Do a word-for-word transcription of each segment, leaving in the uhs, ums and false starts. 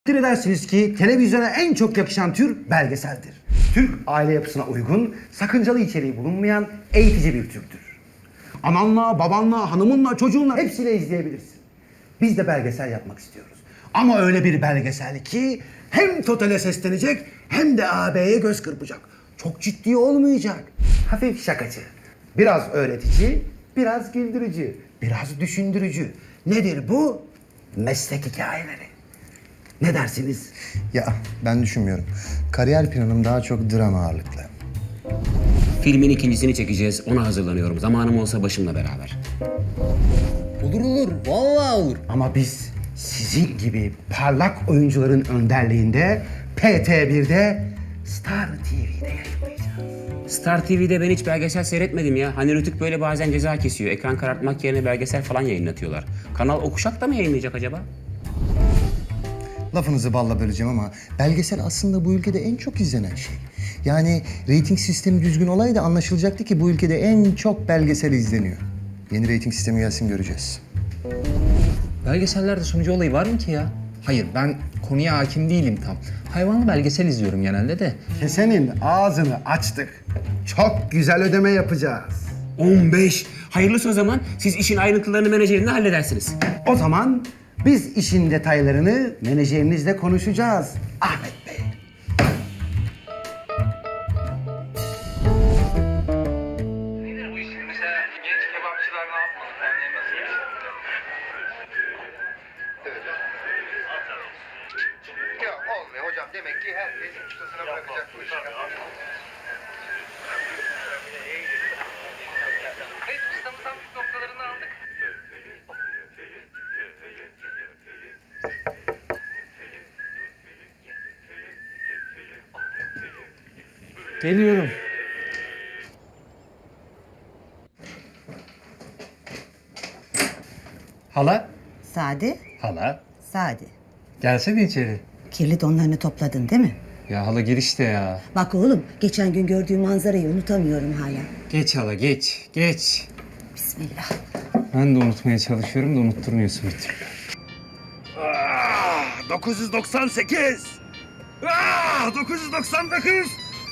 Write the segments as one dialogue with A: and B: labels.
A: Takdir edersiniz ki televizyona en çok yakışan tür belgeseldir. Türk aile yapısına uygun, sakıncalı içeriği bulunmayan eğitici bir türdür. Ananla, babanla, hanımınla, çocuğunla hepsiyle izleyebilirsin. Biz de belgesel yapmak istiyoruz. Ama öyle bir belgesel ki hem totale seslenecek hem de ağabeye göz kırpacak. Çok ciddi olmayacak. Hafif şakacı. Biraz öğretici, biraz güldürücü, biraz düşündürücü. Nedir bu? Meslek hikayeleri. Ne dersiniz?
B: Ya ben düşünmüyorum. Kariyer planım daha çok drama ağırlıklı.
C: Filmin ikincisini çekeceğiz. Ona hazırlanıyorum. Zamanım olsa başımla beraber.
B: Olur olur. Vallahi olur.
A: Ama biz sizin gibi parlak oyuncuların önderliğinde P T bir'de Star T V'de yayınlayacağız.
C: Star T V'de ben hiç belgesel seyretmedim ya. Hani Rütük böyle bazen ceza kesiyor. Ekran karartmak yerine belgesel falan yayınlatıyorlar. Kanal Okuşak da mı yayınlayacak acaba?
B: Lafınızı balla böleceğim ama belgesel aslında bu ülkede en çok izlenen şey. Yani reyting sistemi düzgün olaydı anlaşılacaktı ki bu ülkede en çok belgesel izleniyor. Yeni reyting sistemi gelsin göreceğiz.
D: Belgesellerde sunucu olayı var mı ki ya? Hayır, ben konuya hakim değilim tam. Hayvanlı belgesel izliyorum genelde de.
A: Kesenin ağzını açtık. Çok güzel ödeme yapacağız.
C: on beş. Hayırlısı o zaman. Siz işin ayrıntılarını menajerinle halledersiniz.
A: O zaman biz işin detaylarını menajerinizle konuşacağız. Ahmet Bey.
E: Nedir bu işin? Mesela genç kebapçılar ne yapmalı? Yani nasıl yaşamalı?
B: Ya olmuyor hocam. Demek ki herkes ustasına bırakacak bu işi.
E: Evet, ustamızdan püf noktalarını aldık.
D: Geliyorum. Hala?
F: Sade,
D: Hala.
F: sade.
D: Gelsene içeri.
F: Kirli donlarını topladın değil mi?
D: Ya hala girişte ya.
F: Bak oğlum, geçen gün gördüğüm manzarayı unutamıyorum hala.
D: Geç hala geç, geç.
F: Bismillah.
D: Ben de unutmaya çalışıyorum da unutturmuyorsun bir türlü.
A: Ah, dokuz yüz doksan sekiz. Ah, dokuz yüz doksan dokuz.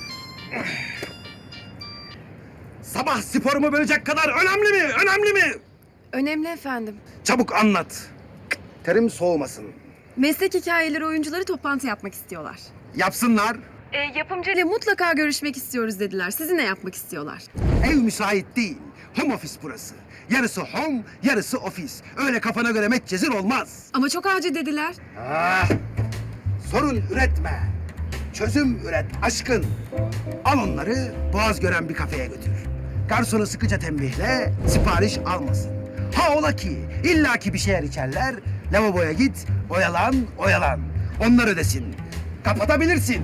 A: Sabah sporumu bölecek kadar önemli mi? Önemli mi?
G: Önemli efendim.
A: Çabuk anlat. Terim soğumasın.
G: Meslek hikayeleri oyuncuları toplantı yapmak istiyorlar.
A: Yapsınlar.
G: E, yapımcıyla mutlaka görüşmek istiyoruz dediler. Sizinle yapmak istiyorlar.
A: Ev müsait değil. Home office burası. Yarısı home, yarısı ofis. Öyle kafana göre metcezir olmaz.
G: Ama çok acil dediler.
A: Ah, sorun üretme. Çözüm üret aşkın. Al onları boğaz gören bir kafeye götür. Garsonu sıkıca tembihle sipariş almasın. Ha ola ki illaki bir şeyler içerler. Lavaboya git, oyalan, oyalan. Onlar ödesin. Kapatabilirsin.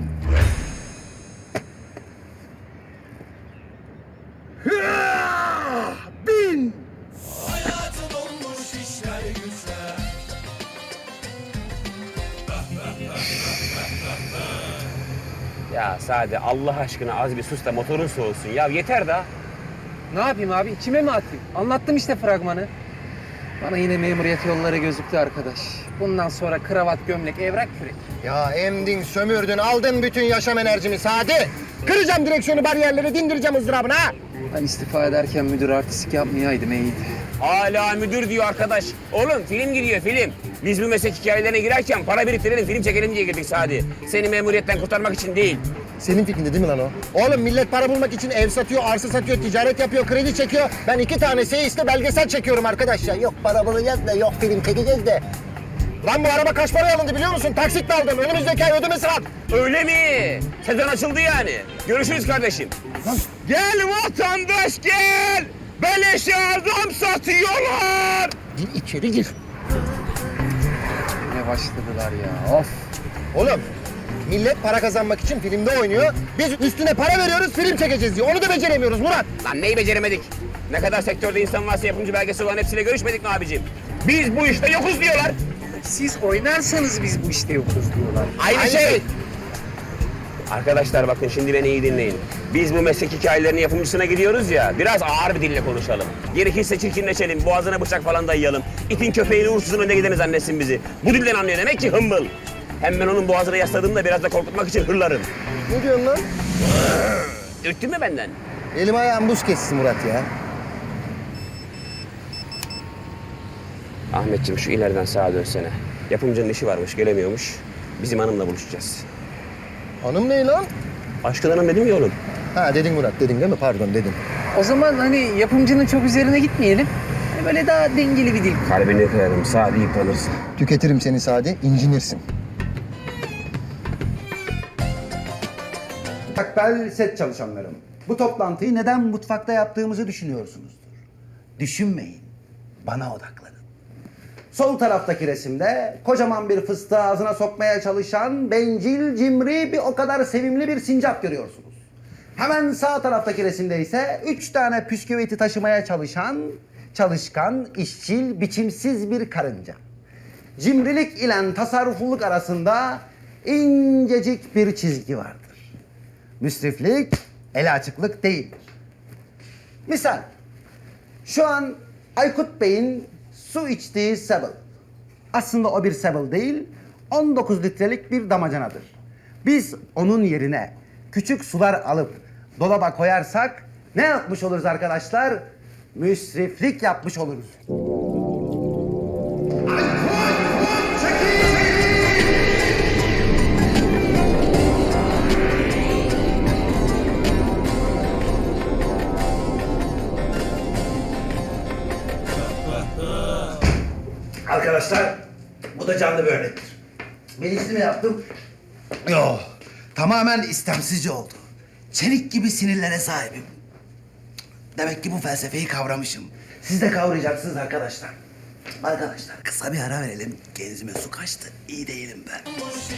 A: Hıah! Bin!
C: Ya Sade Allah aşkına az bir sus da motorun soğusun. Ya yeter da.
D: Ne yapayım abi? İçime mi atayım? Anlattım işte fragmanı. Bana yine memuriyet yolları gözüktü arkadaş. Bundan sonra kravat, gömlek, evrak, kürek.
B: Ya emdin, sömürdün, aldın bütün yaşam enerjimi Sadi. Kıracağım direksiyonu, bariyerleri, dindireceğim ızdırabını ha.
D: Ben istifa ederken müdür artistik yapmayaydım iyiydi.
C: Hala müdür diyor arkadaş. Oğlum film gidiyor film. Biz bu meslek hikayelerine girerken para biriktirelim, film çekelim diye girdik Sadi. Seni memuriyetten kurtarmak için değil.
B: Senin fikrinde değil mi lan o? Oğlum millet para bulmak için ev satıyor, arsa satıyor, ticaret yapıyor, kredi çekiyor. Ben iki tane seyiste belgesel çekiyorum arkadaş ya. Yok para bulacağız da, yok film çekeceğiz de. Lan bu araba kaç paraya alındı biliyor musun? Taksitle aldım. Önümüzdeki ay ödemesi var.
C: Öyle mi? Sezon açıldı yani. Görüşürüz kardeşim. Gel vatandaş gel. Beleşe adam satıyorlar.
B: Gir içeri gir.
D: Ne başladılar ya of.
B: Oğlum millet para kazanmak için filmde oynuyor. Biz üstüne para veriyoruz, film çekeceğiz diyor. Onu da beceremiyoruz Murat.
C: Lan neyi beceremedik? Ne kadar sektörde insan varsa yapımcı belgesi olan hepsiyle görüşmedik mi abicim? Biz bu işte yokuz diyorlar.
D: Siz oynarsanız biz bu işte yokuz diyorlar.
C: Aynı,
B: Aynı
C: şey.
B: şey.
C: Arkadaşlar bakın şimdi beni iyi dinleyin. Biz bu meslek hikayelerinin yapımcısına gidiyoruz ya, biraz ağır bir dille konuşalım. Gerekirse çirkinleşelim, boğazına bıçak falan dayayalım. İtin köpeğini uğursuzun önüne gideni zannetsin bizi. Bu dilden anlıyor demek ki hımbıl. Hem ben onun boğazına yasladığımda biraz da korkutmak için hırlarım.
B: Ne diyorsun lan?
C: Ürktün mü benden?
B: Elim ayağım buz kessin Murat ya.
C: Ahmetciğim şu ileriden sağa dönsene. Yapımcının işi varmış, gelemiyormuş. Bizim hanımla buluşacağız.
B: Hanım ne lan?
C: Aşkın hanım dedim ya oğlum.
B: Ha dedin Murat dedin değil mi? Pardon dedin.
D: O zaman hani yapımcının çok üzerine gitmeyelim. Hani böyle daha dengeli bir dil.
C: Kalbini kırarım, sağ deyip kalırsın.
B: Tüketirim seni Sadi, incinirsin.
A: Takbel set çalışanlarım. Bu toplantıyı neden mutfakta yaptığımızı düşünüyorsunuzdur. Düşünmeyin. Bana odaklanın. Sol taraftaki resimde kocaman bir fıstığı ağzına sokmaya çalışan bencil, cimri, bir o kadar sevimli bir sincap görüyorsunuz. Hemen sağ taraftaki resimde ise üç tane püsküviti taşımaya çalışan, çalışkan, işçil, biçimsiz bir karınca. Cimrilik ile tasarrufluluk arasında incecik bir çizgi vardır. Müsriflik, el açıklık değildir. Misal, şu an Aykut Bey'in su içtiği Sebel. Aslında o bir Sebel değil, on dokuz litrelik bir damacanadır. Biz onun yerine küçük sular alıp dolaba koyarsak ne yapmış oluruz arkadaşlar? Müsriflik yapmış oluruz. Arkadaşlar, bu da canlı bir örnektir. Bilinçli mi yaptım? Yok, tamamen istemsizce oldu. Çelik gibi sinirlere sahibim. Demek ki bu felsefeyi kavramışım. Siz de kavrayacaksınız arkadaşlar. Arkadaşlar, kısa bir ara verelim. Genzime su kaçtı, iyi değilim ben.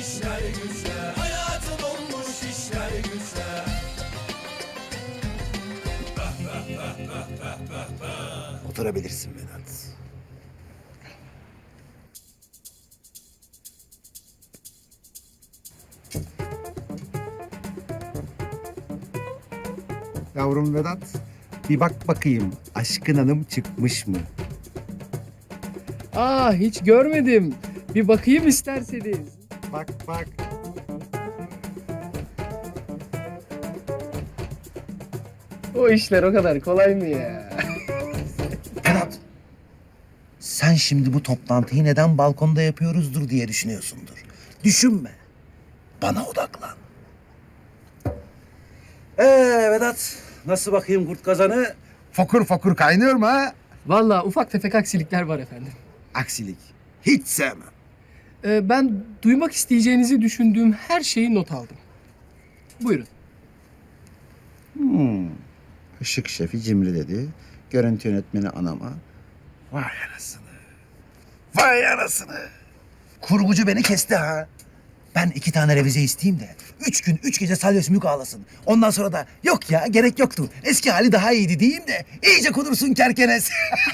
A: Oturabilirsin Vedat. Yavrum Vedat, bir bak bakayım Aşkın Hanım çıkmış mı?
H: Aa hiç görmedim. Bir bakayım isterseniz.
A: Bak bak.
H: O işler o kadar kolay mı ya?
A: Vedat, sen şimdi bu toplantıyı neden balkonda yapıyoruzdur diye düşünüyorsundur. Düşünme, bana odaklan. Ee Vedat, nasıl bakayım kurt kazanı? Fokur fokur kaynıyor mu ha?
H: Vallahi ufak tefek aksilikler var efendim.
A: Aksilik, hiç sevmem.
H: Ee, ben duymak isteyeceğinizi düşündüğüm her şeyi not aldım. Buyurun.
A: Hmm. Işık şefi cimri dedi. Görüntü yönetmeni anama. Vay anasını. Vay anasını. Kurgucu beni kesti ha. Ben iki tane revize isteyeyim de üç gün üç gece salya sümük ağlasın. Ondan sonra da yok ya gerek yoktu. Eski hali daha iyiydi diyeyim de iyice kudursun kerkenes.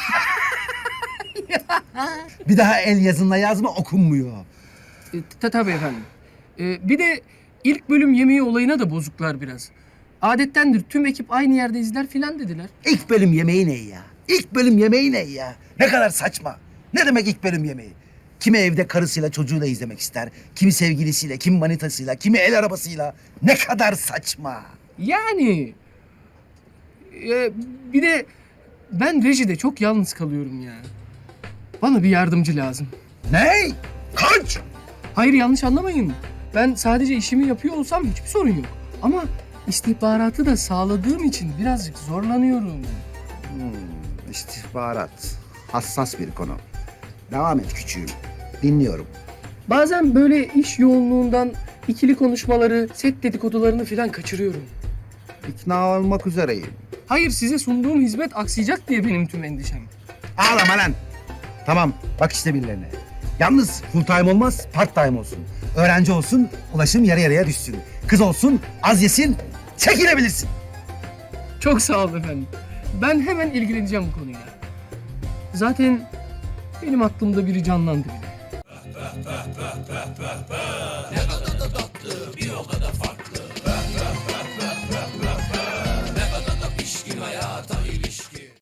A: Bir daha el yazınla yazma okunmuyor.
H: Ee, ta- tabii efendim. Ee, bir de ilk bölüm yemeği olayına da bozuklar biraz. Adettendir tüm ekip aynı yerde izler filan dediler.
A: İlk bölüm yemeği ne ya? İlk bölüm yemeği ne ya? Ne kadar saçma. Ne demek ilk bölüm yemeği? Kimi evde karısıyla çocuğuyla izlemek ister. Kimi sevgilisiyle, kimi manitasıyla, kimi el arabasıyla. Ne kadar saçma.
H: Yani e, bir de ben rejide çok yalnız kalıyorum ya. Bana bir yardımcı lazım.
A: Ne? Kaç?
H: Hayır yanlış anlamayın. Ben sadece işimi yapıyor olsam hiçbir sorun yok. Ama istihbaratı da sağladığım için birazcık zorlanıyorum.
A: İstihbarat. Hassas bir konu. Devam et küçüğüm. Dinliyorum.
H: Bazen böyle iş yoğunluğundan ikili konuşmaları, set dedikodularını falan kaçırıyorum.
A: İkna olmak üzereyim.
H: Hayır size sunduğum hizmet aksayacak diye benim tüm endişem.
A: Ağlama lan. Tamam, bak işte birilerine. Yalnız full time olmaz, part time olsun. Öğrenci olsun, ulaşım yarı yarıya düşsün. Kız olsun, az yesin, çekilebilirsin.
H: Çok sağ olun efendim. Ben hemen ilgileneceğim bu konuyla. Zaten benim aklımda biri canlandı bile.